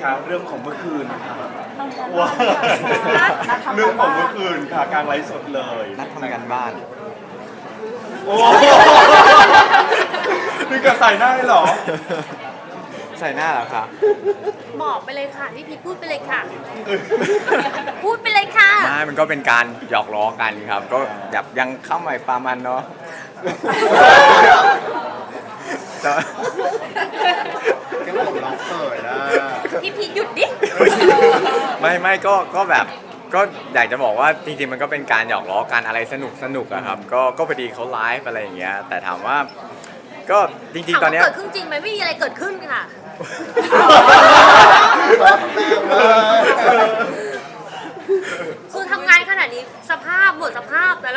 คะเรื่องของเมื่อคืนค่ะว้าเรื่องของเมื่อคืนค่ะกลางไลฟ์สดเลยนัดทำงานบ้านโอ้นี่กระใส่หน้าได้เหรอใส่หน้าเหรอคะบอกไปเลยค่ะพี่พีพูดไปเลยค่ะ พูดไปเลยค่ะไม่มันก็เป็นการหยอกล้อกันครับ ก็แบบยังเข้าใหม่ปลามันเนาะแต่แค่ผมร้องเปิดนะพี่พีหยุดดิไม่ก็แบบก็อยากจะบอกว่าจริงๆมันก็เป็นการหยอกล้อกันอะไรสนุกอะครับก็พอดีเขาไลฟ์อะไรอย่างเงี้ยแต่ถามว่าก็จริงๆตอนเนี้ยเกิดขึ้นจริงไหมไม่มีอะไรเกิดขึ้นค่ะ คือทำงานขนาดนี้สภาพหมดสภาพแต่ละ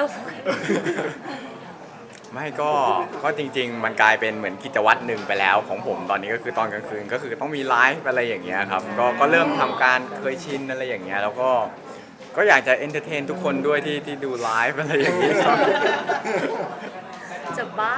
ไม่ก็จริงๆ มันกลายเป็นเหมือนกิจวัตรหนึ่งไปแล้วของผมตอนนี้ก็คือตอนกลางคืนก็คือต้องมีไลฟ์อะไรอย่างเงี้ยครับก็เริ่มทำการเคยชินอะไรอย่างเงี้ยแล้วก็อยากจะเอนเตอร์เทนทุกคนด้วยที่ดูไลฟ์อะไรอย่างเงี้ยครับจะบ้า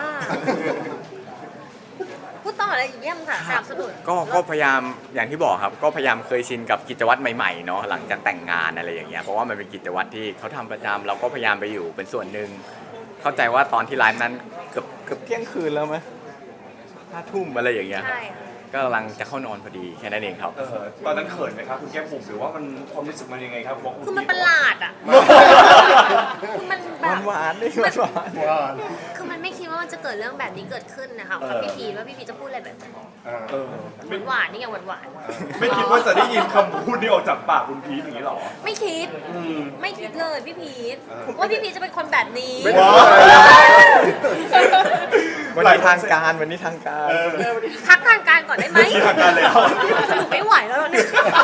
พูดต่ออะไรอีกเยี่ยมค่ะสนับสนุนก็พยายามอย่างที่บอกครับก็พยายามเคยชินกับกิจวัตรใหม่ๆเนาะหลังจากแต่งงานอะไรอย่างเงี้ยเพราะว่ามันเป็นกิจวัตรที่เขาทำประจำเราก็พยายามไปอยู่เป็นส่วนหนึ่งเข้าใจว่าตอนที่ไลฟ์นั้นเกือบเที่ยงคืนแล้วไหม5 ทุ่มอะไรอย่างเงี้ยครับใช่ค่ะก็กำลังจะเข้านอนพอดีแค่นั้นเองครับตอนนั้นเขินไหมครับคุณแก้มบุ๋มหรือว่ามันความรู้สึกมันยังไงครับว่าคือมันประหลาดอ่ะ คือมันแบบหวานๆด้วยหวานว่าคือมันไม่คิดว่ามันจะเกิดเรื่องแบบนี้เกิดขึ้นนะคะกับพี่พีว่าพี่พีจะพูดอะไรแบบนั้นเออไม่หวานๆนี่ไงหวานไม่คิดว่าจะได้ยินคำพูดนี้ออกจากปากคุณพีทอย่างนี้หรอๆไม่คิดอืมไม่คิดเลยพี่พีทว่าพี่พีทจะเป็นคนแบบนี้ว้าววันนี้ทางการวันนี้ทางการพักทางการก่อนได้ไหมทางการแล้วสรุปไม่ไหวแล้วเนี่ย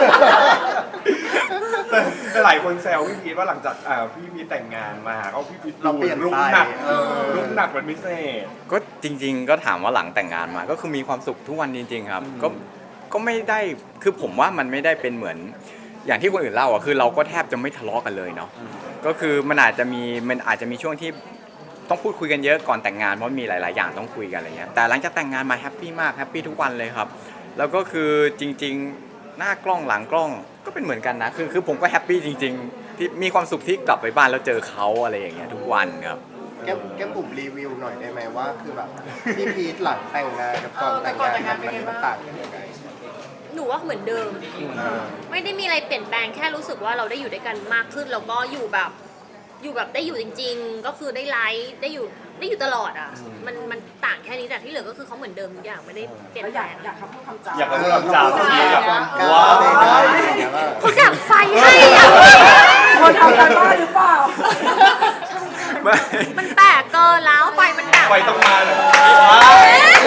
แต่หลายคนแซวพี่พีทว่าหลังจากพี่พีทแต่งงานมาก็พี่พีทเราเปลี่ยนลุกไปหนักลุกหนักเป็นพิเศษก็จริงๆก็ถามว่าหลังแต่งงานมาก็คือมีความสุขทุกวันจริงๆครับก็ไม่ได้คือผมว่ามันไม่ได้เป็นเหมือนอย่างที่คนอื่นเล่าอ่ะคือเราก็แทบจะไม่ทะเลาะกันเลยเนาะก็คือมันอาจจะมีช่วงที่ต้องพูดคุยกันเยอะก่อนแต่งงานเพราะมีหลายๆอย่างต้องคุยกันอะไรเงี้ยแต่หลังจากแต่งงานมาแฮปปี้มากแฮปปี้ทุกวันเลยครับแล้วก็คือจริงๆหน้ากล้องหลังกล้องก็เป็นเหมือนกันนะคือผมก็แฮปปี้จริงๆที่มีความสุขที่กลับไปบ้านแล้วเจอเขาอะไรอย่างเงี้ยทุกวันครับแก้มบุ๋มรีวิวหน่อยได้ไหมว่าคือแบบพี่พีทหลังแต่งงานกับก่อนแต่งงานมันต่างกันยังไงหนูว่าเหมือนเดิม ไม่ได้มีอะไรเปลี่ยนแปลงแค่รู้สึกว่าเราได้อยู่ด้วยกันมากขึ้นแล้วก็อยู่แบบได้อยู่จริง ๆ ก็คือได้ไลฟ์ได้อยู่ตลอดอ่ะมันต่างแค่นี้แต่ที่เหลือก็คือเขาเหมือนเดิมทุกอย่างไม่ได้เปลี่ยนแปลงอยากทำพูดคำจาอยากรู้คำจาพี่พีทกาอะรว้าวได้อย่างเงี้ยว่าเขาดับไฟให้อ่ะคนทำกันบ้านหรือเปล่าไม่มันแปลกเกินแล้วไฟมันดับไฟต้องมาเลยเอ๊ะ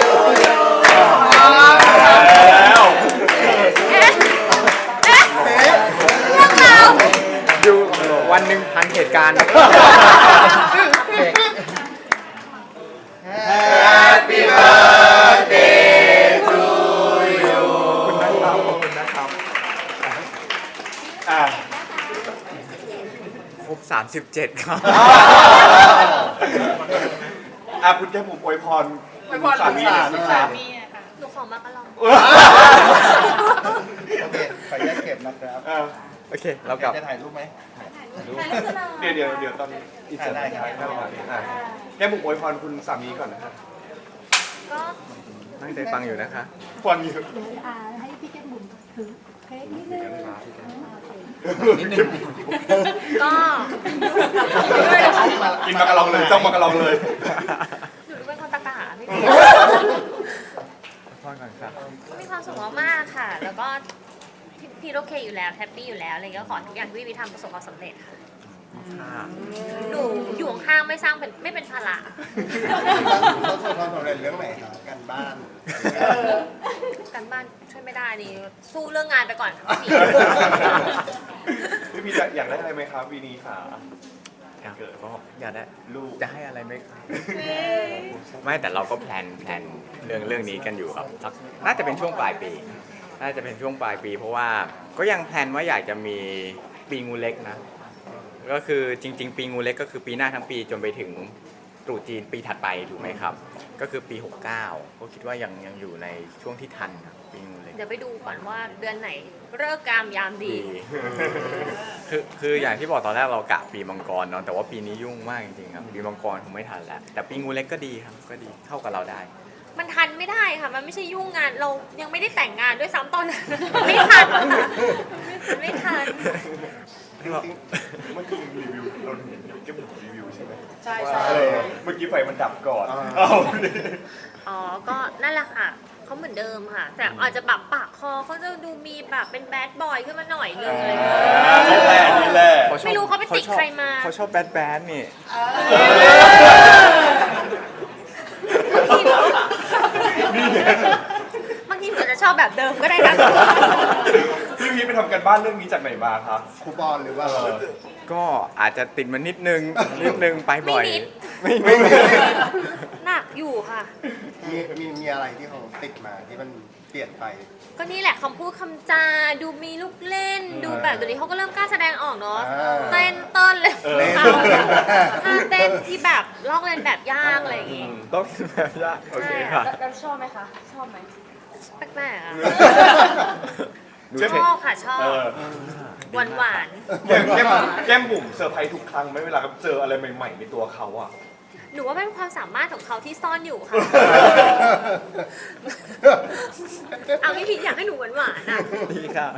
แล้วเอ๊ะเอ๊ะเรื่องราวอยู่วันหนึ่งพันเหตุการณ์ Happy birthday to you ขอบคุณนะครับอ่ะครบ37ครับคุณแก้มบุ๋มอวยพรอวยพรสามีหน่อยสิครับหนูขอมากระลองโอเคขออนุญาตเก็บนะครับโอเคเรากลับจะถ่ายรูปไหมเดี๋ยวตอนอินเสิร์ตได้ครับแก้มบุ๋มอวยพรคุณสามีก่อนนะครับก็ตั้งใจฟังอยู่นะคะฟังอยู่ให้พี่แก้มบุ๋มถือเค้กนิดนึงก็กินมากระลองเลยจ้องมากระลองเลยหนูเป็นคนตะกะพี่พ่อก่อนครับก็มีความสุขมากๆค่ะ แล้วก็พี่โอเคอยู่แล้วแฮปปี้อยู่แล้วอะไรก็ขอทุกอย่างที่พี่ทำประสบความสำเร็จค่ะ หนูอยู่ข้างๆไม่เป็นภาระประสบความสำเร็จเรื่องไหนครับการบ้านการบ้านช่วยไม่ได้นี่สู้เรื่องงานไปก่อนค่ะพี่พี่อยากได้อะไรไหมครับวีนี้ค่ะก็อยากได้ลูกจะให้อะไรไหมครับไม่แต่เราก็แพลนเรื่องนี้กันอยู่ครับสักน่าจะเป็นช่วงปลายปีเพราะว่าก็ยังแพลนว่าอยากจะมีปีงูเล็กนะก็คือจริงๆปีงูเล็กก็คือปีหน้าทั้งปีจนไปถึงตรุษจีนปีถัดไปถูกไหมครับก็คือปี69ก็คิดว่ายังอยู่ในช่วงที่ทันครับปีงูเล็กเดี๋ยวไปดูก่อนว่าเดือนไหนเลิกษ์กามยามดีคืออย่างที่บอกตอนแรกเรากะปีมังกรเนาะแต่ว่าปีนี้ยุ่งมากจริงๆครับปีมังกรคงไม่ทันแล้วแต่ปีงูเล็กก็ดีครับก็ดีเข้ากับเราได้มันทันไม่ได้ค่ะ มันไม่ใช่ยุ่งงาน เรายังไม่ได้แต่งงานด้วยซ้ำตอนนั้น ไม่ทันไม่ทันเมื่อกี้รีวิวเราเห็นแก้มบุ๋มรีวิวใช่ไหมใช่ว่าใช่เมื่อกี้ไฟมันดับก่อนอ่าเอ้าอ๋อ ก็นั่นแหละค่ะ เขาเหมือนเดิมค่ะ แต่อาจจะแบบปากคอเขาจะดูมีแบบเป็นแบดบอยขึ้นมาหน่อยนึงอะไรอย่างเงี้ยนี่แหละนี่แหละไม่รู้เขาไปติดใครมาเขาชอบแบดนี่บางทีหนูอาจจะชอบแบบเดิมก็ได้นะพี่พีชไปทำกันบ้านเรื่องนี้จากไหนมาคะคูปองหรือว่าก็อาจจะติดมันนิดนึงไปบ่อยไม่นิดไม่นิดหนักอยู่ค่ะมีอะไรที่เขาติดมาที่มันเปลี่ยนไปก็นี่แหละคำพูดคำจา ดูมีลูกเล่น ดูแบบเดี๋ยวนี้เขาก็เริ่มกล้าแสดงออกเนาะอ่าเต้นเต้นเลยเล่นท่าเต้นที่แบบลอกเลียนแบบยากอะไรอย่างงี้ต้องแบบยากโอเคค่ะแล้วชอบไหมคะ ชอบไหมแปลกๆอะดูชเทคอบค่ะชอบเออหวานหวานแก้มบุ๋มเซอร์ไพรส์ทุกครั้งไหมเวลาเจออะไรใหม่ๆในตัวเขาอะๆหนูว่าเป็นความสามารถของเขาที่ซ่อนอยู่ค่ะ เอาพี่พีชอยากให้หนูหวานหวานๆอะดีค่ะ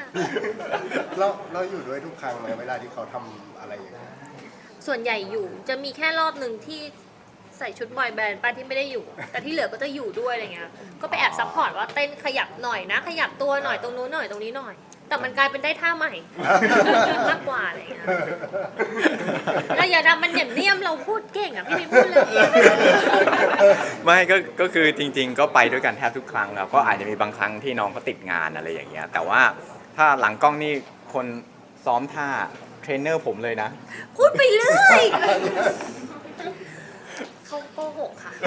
เราอยู่ด้วยทุกครั้งไหมเวลาที่เขาทำอะไรอย่างเงี้ยส่วนใหญ่อยู่จะมีแค่รอบหนึ่งที่ใส่ชุดบอยแบนด์ป้าที่ไม่ได้อยู่ แต่ที่เหลือก็จะอยู่ด้วยอะไรเงี้ยก็ไปแอบซัพพอร์ตว่าเต้นขยับหน่อยนะ ขยับตัวหน่อยตรงนู้นหน่อยตรงนี้หน่อย แต่มันกลายเป็นได้ท่าใหม่ มากกว่าอะไรเงี้ยเราอย่าทำมันเหนียมๆเราพูดเก่งอ่ะพี่พีชพูดเลยไม่ก็คือจริง ๆ ก็ไปด้วยกันแทบทุกครั้งแล้วก็อาจจะมีบางครั้งที่น้องเขาติดงานอะไรอย่างเงี้ยแต่ว่าถ้าหลังกล้องนี่คนซ้อมท่าเทรนเนอร์ผมเลยนะพูดไปเรื่อยเขาโกหกค่ะ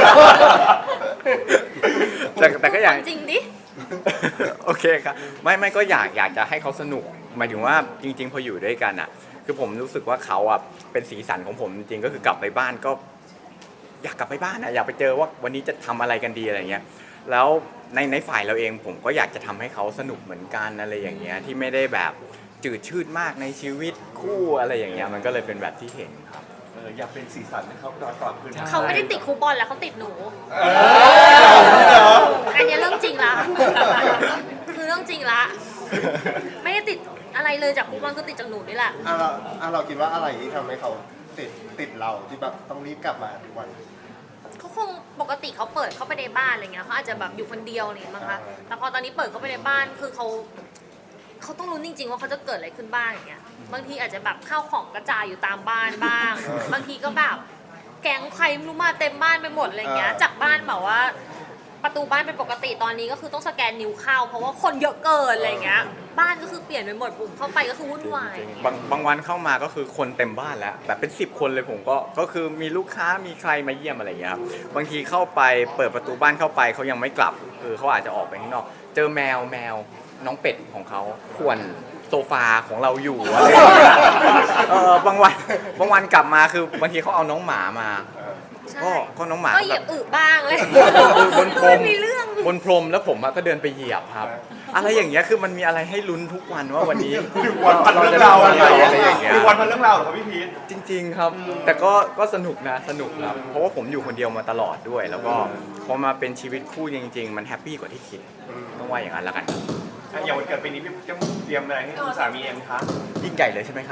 แต่ก็อยากจริงดิโอเคครับไม่ก็อยากจะให้เขาสนุกหมายถึงว่าจริง ๆ พออยู่ด้วยกันอ่ะ คือผมรู้สึกว่าเขาอ่ะเป็นสีสันของผมจริงๆก็คือกลับไปบ้านก็ อยากกลับไปบ้านอ่ะอยากไปเจอว่าวันนี้จะทำอะไรกันดีอะไรเงี้ยแล้วในฝ่ายเราเองผมก็อยากจะทำให้เขาสนุกเหมือนกันอะไรอย่างเงี้ยที่ไม่ได้แบบจืดชืดมากในชีวิตคู่อะไรอย่างเงี้ยมันก็เลยเป็นแบบที่เห็นครับอยากเป็นสีสันให้เขาก่อนคืนเขาไม่ได้ติดครูบอลแล้วเขาติดหนูเหรออันนี้เรื่องจริงละ คือเรื่องจริงละ ไม่ได้ติดอะไรเลยจากครูบอลก็ติดจากหนูนี่แหละเราคิดว่าอะไรที่ทำให้เขาติดเราที่แบบต้องรีบกลับมาทุกวันเขาคงปกติเขาเปิดเข้าไปในบ้านอะไรเงี้ยเขาอาจจะแบบอยู่คนเดียวอะไรอย่างเงี้ยมั้งคะ แต่พอตอนนี้เปิดเข้าไปในบ้านคือเขาต้องรู้จริงๆว่าเขาจะเกิดอะไรขึ้นบ้างอย่างเงี้ย บางทีอาจจะแบบข้าวของกระจายอยู่ตามบ้านบ้าง บางทีก็แบบแก๊งใครไม่รู้มาเต็มบ้านไปหมดอะไรเงี้ย จากบ้านแบบว่า ประตูบ้านเป็นปกติตอนนี้ก็คือต้องสแกนนิ้วเข้าเพราะว่าคนเยอะเกินอะไรเงี้ย บ้านก็คือเปลี่ยนไปหมดบุ๋มเข้าไปก็คือวุ่นวายบางวันเข้ามาก็คือคนเต็มบ้านแล้วแบบเป็น10 คนเลยผมก็คือมีลูกค้ามีใครมาเยี่ยมอะไรอย่างเงี้ยครับบางทีเข้าไปเปิดประตูบ้านเข้าไปเขายังไม่กลับคือเขาอาจจะออกไปข้างนอก เจอแมวน้องเป็ดของเขาข่วนโซฟาของเราอยู่อะไรอย่างเงี้ยบางวันกลับมาคือบางทีเขาเอาน้องหมามาใช่ก็น้องหมาก็เหยียบอึบ้างเลยบนพรมมีเรื่องบนพรมแล้วผมก็เดินไปเหยียบครับ อะไรอย่างเงี้ยคือมันมีอะไรให้ลุ้นทุกวันว่าวันนี้ 1 วันพันเรื่องราวอะไรอะไรอย่างเงี้ย 1 วันพันเรื่องราวเหรอครับพี่พีชจริง ๆ ครับ แต่ก็สนุกนะสนุกครับเพราะว่าผมอยู่คนเดียวมาตลอดด้วย แล้วก็พอมาเป็นชีวิตคู่จริง ๆ มันแฮปปี้กว่าที่คิดต้องว่าอย่างนั้นแล้วกันอย่างวันเกิดปีนี้พี่จะเตรียมอะไรให้คุณสามีเองคะยิ่งใหญ่เลยใช่ไหมคะ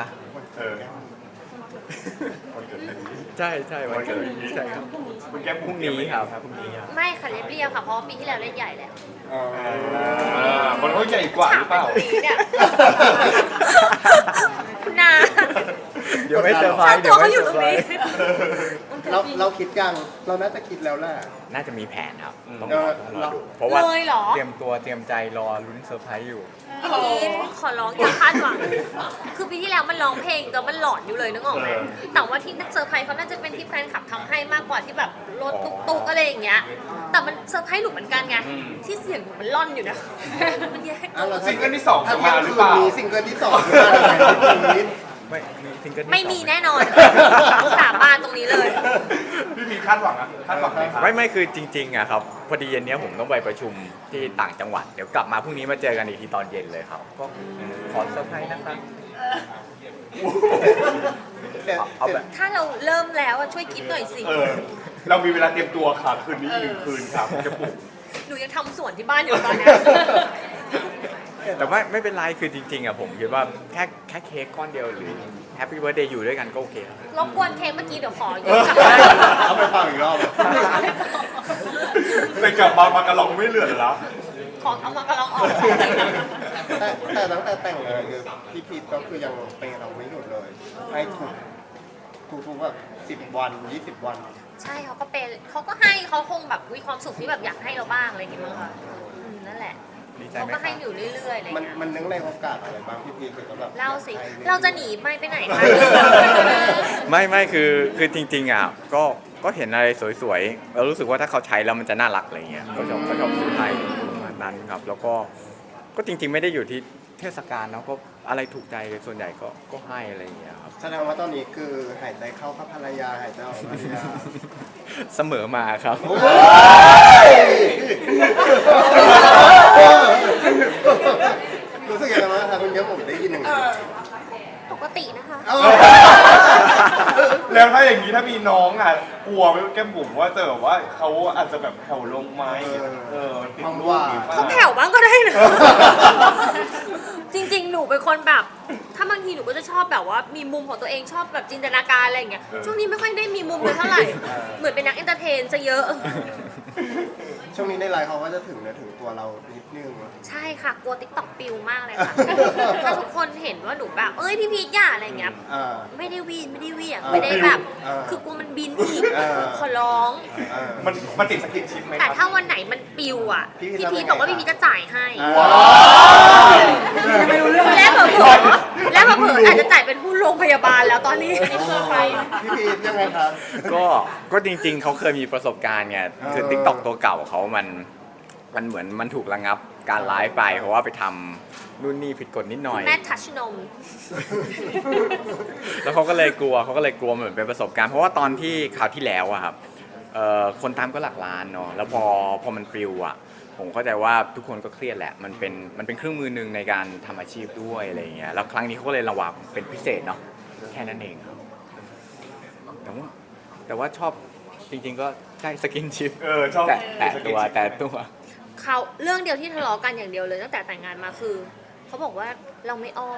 วันเกิดปีนี้ใช่วันเกิดใช่ครับคุณแก้มพรุ่งนี้ครับพรุ่งนี้ไม่ค่ะเรียบๆค่ะเพราะว่าปีที่แล้วเล่นใหญ่แล้วมันก็ใหญ่กว่าหรือเปล่าถมไปตรงนี้เนี่ยคุณนาเดี๋ยวไม่เซอร์ไพรค่าส์ตัวเขาอยู่ตรงนี้เราคิดยังเราน่าจะคิดแล้วแหละน่าจะมีแผนครับต้องเออรอดูเพราะว่าเลยเหรอเตรียมตัวเตรียมใจรอลุ้นเซอร์ไพรส์อยู่พี่พีทขอร้องอย่าคาดหวัง คือปีที่แล้วมันร้องเพลงแต่มันหลอนอยู่เลยนึกออกไหมแต่ว่าที่เซอร์ไพรส์เขาน่าจะเป็นที่แฟนคลับทำให้มากกว่าที่แบบรถตุ๊กๆอะไรอย่างเงี้ย แต่มันเซอร์ไพรส์หนูเหมือนกันไง ที่เสียงหนูมันล่อนอยู่นะ มันแย่ซิงเกิลที่ 2 ถ้าจะเที่มายงหรืคือน เปล่านี้ซิงเกิลที่ 2จะมาอะไรพี่พีทไม่มีซิงเกิลที่ไม่มีสองแน่นอนสาบานตรงนี้เลยพี่พีคาดหวังอะคาดหวังไหมครับไม่คือจริงๆอะครับพอดีเย็นนี้ผมต้องไปประชุมที่ต่างจังหวัดเดี๋ยวกลับมาพรุ่งนี้มาเจอกันอีกทีตอนเย็นเลยครับก็ขอเซอร์ไพรส์นะครับ เอาแบบถ้าเราเริ่มแล้วอะช่วยคิดหน่อยสิเรามีเวลาเตรียมตัวค่ะคืนนี้อีก1 คืนครับจะปลุกหนูยังทำสวนที่บ้านอยู่ตอนเนี้ยแต่ว่าไม่เป็นไรคือจริงๆอะผมคิดว่าแค่เค้กก้อนเดียวหรือแฮปปี้เบิร์ดเดย์อยู่ด้วยกันก็โอเคแล้วรบกวนเค้กเมื่อกี้เดี๋ยวขอยืมกลับบ้านเอาไปฟังอีกรอบเลยกลับมามากระลองไม่เหลือแล้วขอเอามากระลองออกแต่ตั้งแต่แต่งงานคือพี่พีทก็คือยังเป็นเราไม่หยุดเลย ให้ทุกแบบ10 วัน 20 วันใช่เขาก็เป็นเขาก็ให้เขาคงแบบมีความสุขที่แบบอยากให้เราบ้างอะไรอย่างเงี้ยมั้งค่ะนั่นแหละดีใจเขาไหมก็คให้รับอยู่เรื่อยๆอะไรมันเงี้ยมันนึกในโอกาสอะไรบ้างพี่พีทคือแบบเล่าสิให้เราจะหนีไปไหนคะไม่คือจริงๆอะก็เห็นอะไรสวยๆเรารู้สึกว่าถ้าเขาใช้แล้วมันจะน่ารักอะไรเงี้ยก็ชอบซื้อให้ประมาณนั้นครับแล้วก็จริงๆไม่ได้อยู่ที่เทศกาลเนาะก็อะไรถูกใจส่วนใหญ่ก็ให้อะไรอย่างเงี้ยครับแสดงว่าตอนนี้คือหายใจเข้ากับภรรยาหายใจออกภรรยาเสมอมาครับรู้สึกยังไงบ้างคะคุณเยอะผมได้ยินหนึ่างนี้ปกตินะคะแล้วถ้าอย่างนี้ถ้ามีน้องอ่ะกลัวไหมแก้มบุ๋มว่าจะแบบว่าเขาอาจจะแบบแผ่วลงไหมติดลูกหรือเปล่เขาแผ่วบ้างก็ได้นะ จริงๆ หนูเป็นคนแบบ ถ้าบางทีหนูก็จะชอบแบบว่ามีมุมของตัวเองชอบแบบจินตนาการอะไรอย่างเงี้ย ช่วงนี้ไม่ค่อยได้มีมุมเลยเท่าไหร่ เหมือนเป็นนักเอนเตอร์เทนซะเยอะช่วงนี้ในไลน์เขาก็จะถึงเนื้อถึงตัวเรานิดนึงใช่ค่ะ กลัวติ๊กต็อกปิวมากเลยค่ะ ถ้าทุกคนเห็นว่าหนูแบบ เอ้ยพี่พีทอย่าอะไรอย่างเงี้ยอ่าไม่ได้วีนไม่ได้เหวียงอ่าไม่ได้แบบอ่าคือกลัวมันบินอีกอ่าขอร้องอ่ามันติดสกินชิปไหมคแต่รับถ้าวันไหนมันปิวอ่ะพี่พี่พีพีทททำยังไงบอกว่าพี่พีทจะจ่ายให้ว้าวและเผลอๆและเผลอๆอาจจะจ่ายเป็นผู้โรงพยาบาลแล้วตอนนี้พี่พีทยังไงครับก็จริงๆเขาเคยมีประสบการณ์ไงคือเออติ๊กต็อกตัวเก่าเขามันเหมือนมันถูกระงับการไลฟ์ไปเพราะว่าไปทำนู่นนี่ผิดกฎนิดหน่อยแม่ทัชนมแล้วเขาก็เลยกลัวเหมือนเป็นประสบการณ์เพราะว่าตอนที่คราวที่แล้วอะครับคนตามก็หลักล้านเนาะแล้วพอมันปลิวอะผมเข้าใจว่าทุกคนก็เครียดแหละมันเป็นเครื่องมือหนึ่งในการทำอาชีพด้วยอะไรอย่างเงี้ยแล้วครั้งนี้เขาก็เลยระวังเป็นพิเศษเนาะแค่นั้นเองครับแต่ว่าชอบจริงๆก็ใช่สกินชิปชอบแต่ตัวเขาเรื่องเดียวที่ทะเลาะกันอย่างเดียวเลยตั้งแต่แต่งงานมาคือเขาบอกว่าเราไม่อ้อน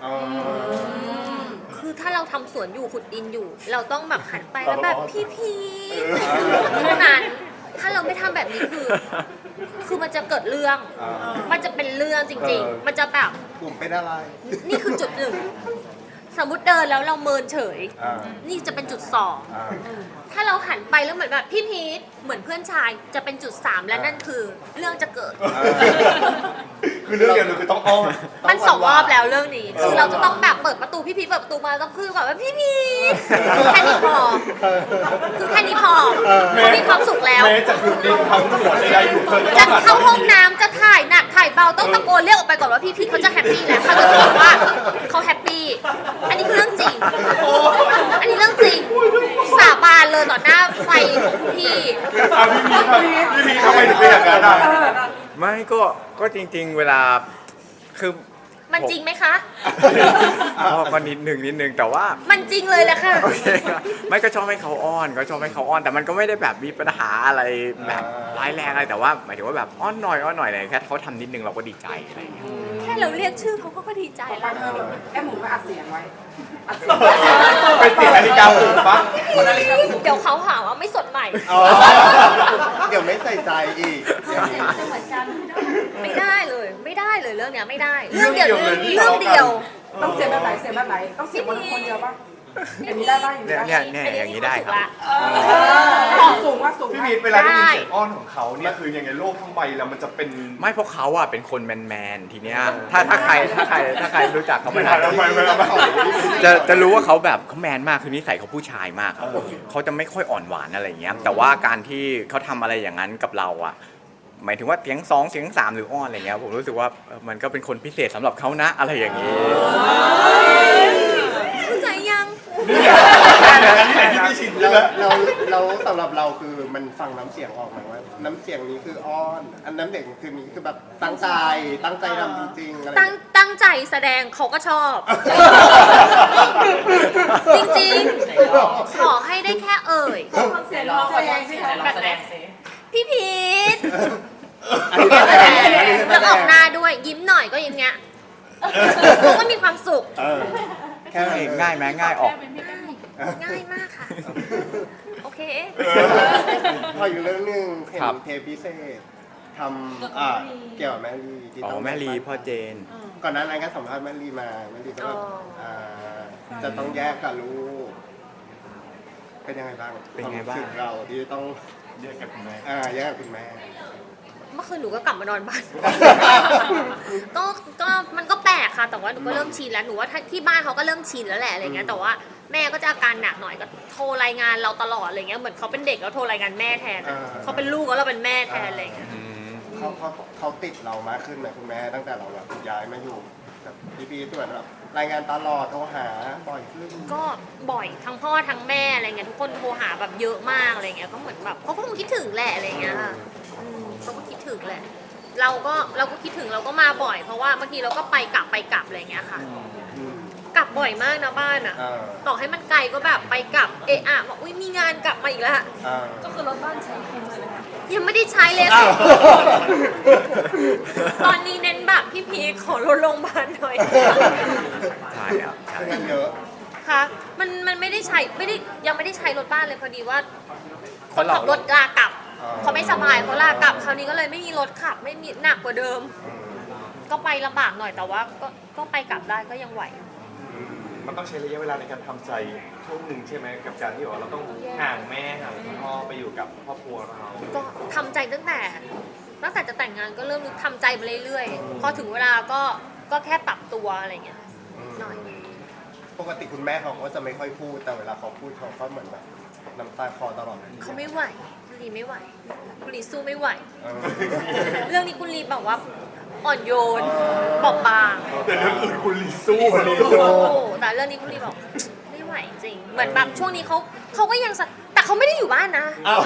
คือถ้าเราทำสวนอยู่ขุดดินอยู่ เราต้องแบบหันไปแล้วแบบพี่พีเท่านั้น ถ้าเราไม่ทำแบบนี้คือมันจะเกิดเรื่อง มันจะเป็นเรื่องจริง ๆ มันจะแบบกลุ่มเป็นอะไรนี่คือจุดหนึ่ง สมมติเดินแล้วเราเมินเฉยอ่านี่จะเป็นจุดสองอ่าถ้าเราหันไปแล้วเหมือนแบบพี่พีทเหมือนเพื่อนชายจะเป็นจุดสามและนั่นคือเรื่องจะเกิดคือเรื่องเดียวเลยคือต้องอ้อนมันสองรอบแล้วเรื่องนี้ คือเราจะต้องแบบเปิดประตูพี่พีทเปิดประตูมาต้องคือแบบว่าพี่พีทแค่นี้พอ คือแค่นี้พอเขามีความสุขแล้วแม้จะขุดดินทำสวนใดๆอยู่เธอก็จะต้องหันเข้าห้องน้ำจะถ่ายหนักถ่ายเบาต้องตะโกนเรียกออกไปก่อนว่าพี่พีทเขาจะแฮปปี้แล้วเขาจะคิดว่าเขาแฮปปี้ อันนี้คือเรื่องจริง อันนี้เรื่องจริง สาบานเลยต่อหน้าไฟของคุณพี่พี่พีทำไมถึงเป็นอย่างนั้นอ่ะไม่ก็จริงๆเวลาคือมันจริงไหมคะก็นิดนึงแต่ว่ามันจริงเลยแหละค่ะโอเคครับไม่ก็ชอบให้เขาอ้อนแต่มันก็ไม่ได้แบบมีปัญหาอะไรแบบร้ายแรงอะไรแต่ว่าหมายถึงว่าแบบอ้อนหน่อยอะไรแค่เขาทำนิดนึงเราก็ดีใจอะไรอย่างเงี้ยแค่เราเรียกชื่อเขาก็ดีใจแล้วแค่หมูก็อัดเสียงไว้เป็นเสียงนาฬิกาปลุกปะเดี๋ยวเขาหาว่าไม่สดใหม่อ๋อเดี๋ยวไม่ใส่ใจอีกอย่างนี้เหมือนกันไม่ได้เลยเรื่องเนี้ยไม่ได้ เรื่องเดียวเรื่องเดียวต้องเสียงแบบไหนเสียงแบบไหน ต้องเสียงคนเดียวป่ะอย่างนี้ได้ป่ะอย่างนี้ได้เนี่ยอย่างนี้ได้ครับสูงว่าสูงพี่พีทเวลาได้ยินเสียงอ้อนของเขาเนี่ยคือยังไงโลกทั้งใบแล้วมันจะเป็นไม่เพราะเขาอ่ะเป็นคนแมนทีเนี้ยถ้าใครรู้จักเขาไม่ไม่ได้ได้ไม่จะรู้ว่าเขาแบบเขาแมนมากคือนิสัยเขาผู้ชายมากครับเขาจะไม่ค่อยอ่อนหวานอะไรอย่างเงี้ยแต่ว่าการที่เขาทำอะไรอย่างนั้นกับเราอ่ะหมายถึงว่าเสียง2เสียง3หรืออ้อนอะไรเงี้ยผมรู้สึกว่ามันก็เป็นคนพิเศษสำหรับเขานะอะไรอย่างนี้นี่แหละนี่แหละที่ไม่ชินใช่ไหมเราสำหรับเราคือมันฟังน้ำเสียงออกไหมว่าน้ำเสียงนี้คืออ้อนอันน้ำเสียงคือนี้คือแบบตั้งใจทำจริงๆอะไรอย่างเงี้ยตั้งใจแสดงเขาก็ชอบ จริงๆ ขอให้ได้แค่เอ่ยฟังเสียงร้องแสดงสิคะลองแสดงสิพี่พีทอันนี้แสดงอันนี้แสแล้วดออง กหน้าด้วยยิ้มหน่อยก็ยิ้มเงี้ยเขาก็มีความสุขเออแค่นั้นเลยง่ายไหมง่ายออกง่ายมากค่ะ โอเคพออยู่เรื่องหนึงเห็นครับเทปพิเศษทำเกี่ยวกับแม่ลีที่อ๋ต้อง แม่ลีพ่อเจนก่อนหน้านั้นก็สัมภาษณ์แม่ลีมาแม่ลีก็แบบอ๋อจะต้องแยกกับลูกเป็นยังไงบ้างเป็นไงบ้างควมรู้สึกเราที่ต้องแยกกับคุณแม่แยกกับคุณแม่เมื่อคืนหนูก็กลับมานอนบ้าน ก็มันก็แปลกค่ะ แต่ว่าหนูก็เริ่มชินแล้ว หนูว่าที่บ้านเขาก็เริ่มชินแล้วแหละอะไรเงี้ย แต่ว่าแม่ก็จะอาการหนักหน่อยก็โทรรายงานเราตลอดอะไรเงี้ย เหมือนเขาเป็นเด็กแล้วโทรรายงานแม่แทนอะเขาเป็นลูกแล้วเราเป็นแม่แทนอะไรเงี้ยเขาติดเรามากขึ้นไหมคุณแม่ตั้งแต่เราแบบย้ายมาอยู่แบบพี่ๆส่วนแบบรายงานตลอดโทรหาบ่อยขึ้นก็บ่อยทั้งพ่อทั้งแม่อะไรเงี้ยทุกคนโทรหาแบบเยอะมากอะไรเงี้ยก็เหมือนแบบเขาก็คงคิดถึงแหละอะไรเงี้ยค่ะเขาก็คิดถึงแหละ เราก็คิดถึงเราก็มาบ่อย เพราะว่าบางทีเราก็ไปกลับอะไรเงี้ยค่ะอืมกลับบ่อยมากนะบ้านอ่ะเออต่อให้มันไกลก็แบบไปกลับเอะอะบอกอุ้ยมีงานกลับมาอีกแล้วก็คือรถบ้านใช้คุ้มเลยนะคะยังไม่ได้ใช้เลยอ้าวตอนนี้เน้นแบบพี่พีขอรถโรงพยาบาลหน่อยใช่ครับใช่เงินเยอะค่ะมันไม่ได้ใช้ยังไม่ได้ใช้รถบ้านเลยพอดีว่าคนขับรถลากลับอ๋อเขาไม่สบายเขาลากลับคราวนี้ก็เลยไม่มีรถขับไม่มีหนักกว่าเดิม ก็ไปลำบากหน่อยแต่ว่าก็ไปกลับได้ก็ยังไหวมันต้องใช้ระยะเวลาในการทำใจช่วงหนึ่งใช่ไหมกับการที่ว่าเราต้องห่างแม่ห่างคุณพ่อไปอยู่กับครอบครัวเราก็ทำใจตั้งแต่จะแต่งงานก็เริ่มทำใจมาเรื่อยๆพอถึงเวลาก็แค่ปรับตัวอะไรเงี้ยหน่อยปกติคุณแม่เขาก็จะไม่ค่อยพูดแต่เวลาเขาพูดเขาก็เหมือนแบบน้ำตาคลอตลอดเขาไม่ไหวคุณลีไม่ไหวคุณลีสู้ไม่ไหวเออเรื่องนี้คุณลีบอกว่าอ่อนโยนบอบบางแต่เรื่องอื่นคุณลีสู้ลีโอ้แต่เรื่องนี้คุณลีบอกไม่ไหวจริง เหมือนแบบช่วงนี้เขาก็ยังแต่เขาไม่ได้อยู่บ้านนะอ้าว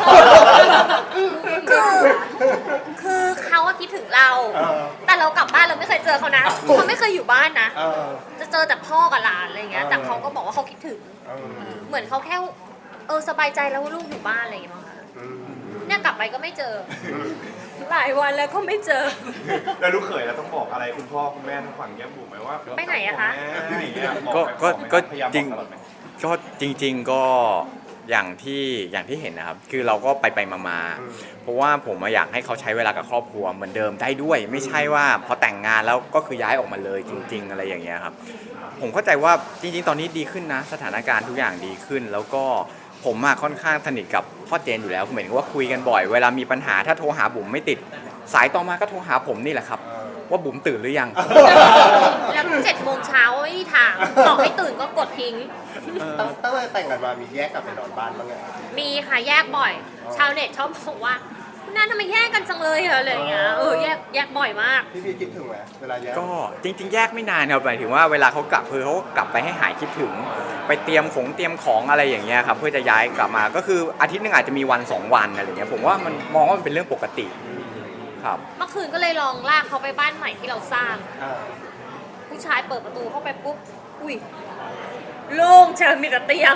คือเขาอะคิดถึงเรา แต่เรากลับบ้านเราไม่เคยเจอเขานะเขาไม่เคยอยู่บ้านนะเออจะเจอแต่พ่อกับหลานอะไรเงี้ย แต่เขาก็บอกว่าเขาคิดถึงเออเหมือนเขาแค่สบายใจแล้วว่าลูกอยู่บ้านอะไรอย่างเงี้ยมั้งคะอืมเนี่ยกลับไปก็ไม่เจอ หลายวันแล้วก็ไม่เจอแล้วลูกเขยเราต้องบอกอะไรคุณพ่อคุณแม่ทางฝั่งแก้มบุ๋มไหมว่าไปไหนอะคะแม่อย่างเงี้ยบอกก็ไหมก็พยายามจริงบอกตลอดไหมก็จริง ๆก็อย่างที่เห็นนะครับ คือเราก็ไปมาเพราะว่าผมอยากให้เขาใช้เวลากับครอบครัวเหมือนเดิมได้ด้วย ไม่ใช่ว่าพอแต่งงานแล้วก็คือย้ายออกมาเลยจริง ๆ อะไรอย่างเงี้ยครับ ผมเข้าใจว่าจริง ๆ ตอนนี้ดีขึ้นนะ สถานการณ์ทุกอย่างดีขึ้น แล้วก็ผมค่อนข้างสนิทกับพ่อเจนอยู่แล้วเหมือนกับว่าคุยกันบ่อย เวลามีปัญหาถ้าโทรหาบุ๋มไม่ติด สายต่อมาก็โทรหาผมนี่แหละครับ ว่าบุ๋มตื่นหรือยังแล้ว7 โมงเช้าไม่มีทางต่อให้ตื่นก็กดทิ้งตั้งแต่แต่งกันมามีแยกกลับไปนอนบ้านบ้างไงมีค่ะแยกบ่อย ชาวเน็ตชอบบอกว่าคุณน้าทำไมแยกกันจังเลยอะอะไรอย่างเงี้ยแยกบ่อยมากพี่คิดถึงไหมเวลาแยกก็จริงๆ แยกไม่นานครับหมายถึงว่าเวลาเขากลับคือเขากลับไปให้หายคิดถึง ไปเตรียมของอะไรอย่างเงี้ยครับเพื่อจะย้ายกลับมาก็คืออาทิตย์หนึงอาจจะมีวัน2 วันอะไรอย่างเงี้ยผมว่ามันมองว่ามันเป็นเรื่องปกติครับเมื่อคืนก็เลยลองลากเขาไปบ้านใหม่ที่เราสร้างอ่าผู้ชายเปิดประตูเข้าไปปุ๊บ อุ้ยโล่งเชิญมีแต่เตียง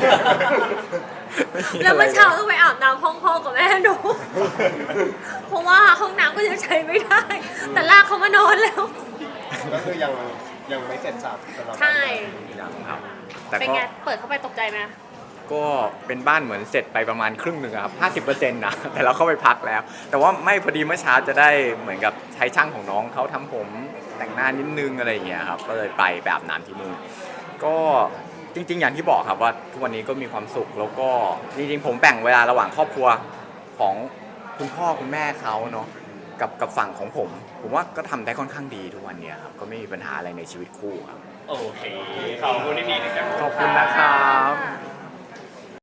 แล้วเมื่อเช้าต้องไปอาบน้ำห้องพ่อกับแม่ดู เพราะว่าห้องน้ำก็ยังใช้ไม่ได้ แต่ลากเขามานอนแล้วก็คือยังไม่เสร็จสับสำหรับใช่ยังครับ แต่เป็นก็ไง เปิดเข้าไปตกใจไหมก็เป็นบ้านเหมือนเสร็จไปประมาณครึ่งหนึ่งอะครับ50%นะแต่เราเข้าไปพักแล้ว แต่ว่าไม่พอดีเมื่อเช้าจะได้เหมือนกับใช้ช่างของน้องเขาทำผมแต่งหน้านิดนึงอะไรอย่างเงี้ยครับก็เลยไปแบบน้ำที่นู่นก็จริง ๆ อย่างที่บอกครับว่าทุกวันนี้ก็มีความสุขแล้วก็จริงๆผมแบ่งเวลาระหว่างครอบครัวของคุณพ่อคุณแม่เขาเนาะกับฝั่งของผมว่าก็ทำได้ค่อนข้างดีทุกวันเนี้ยครับก็ไม่มีปัญหาอะไรในชีวิตคู่ครับโอเคขอบคุณที่พี่นะครับขอบคุณนะครับ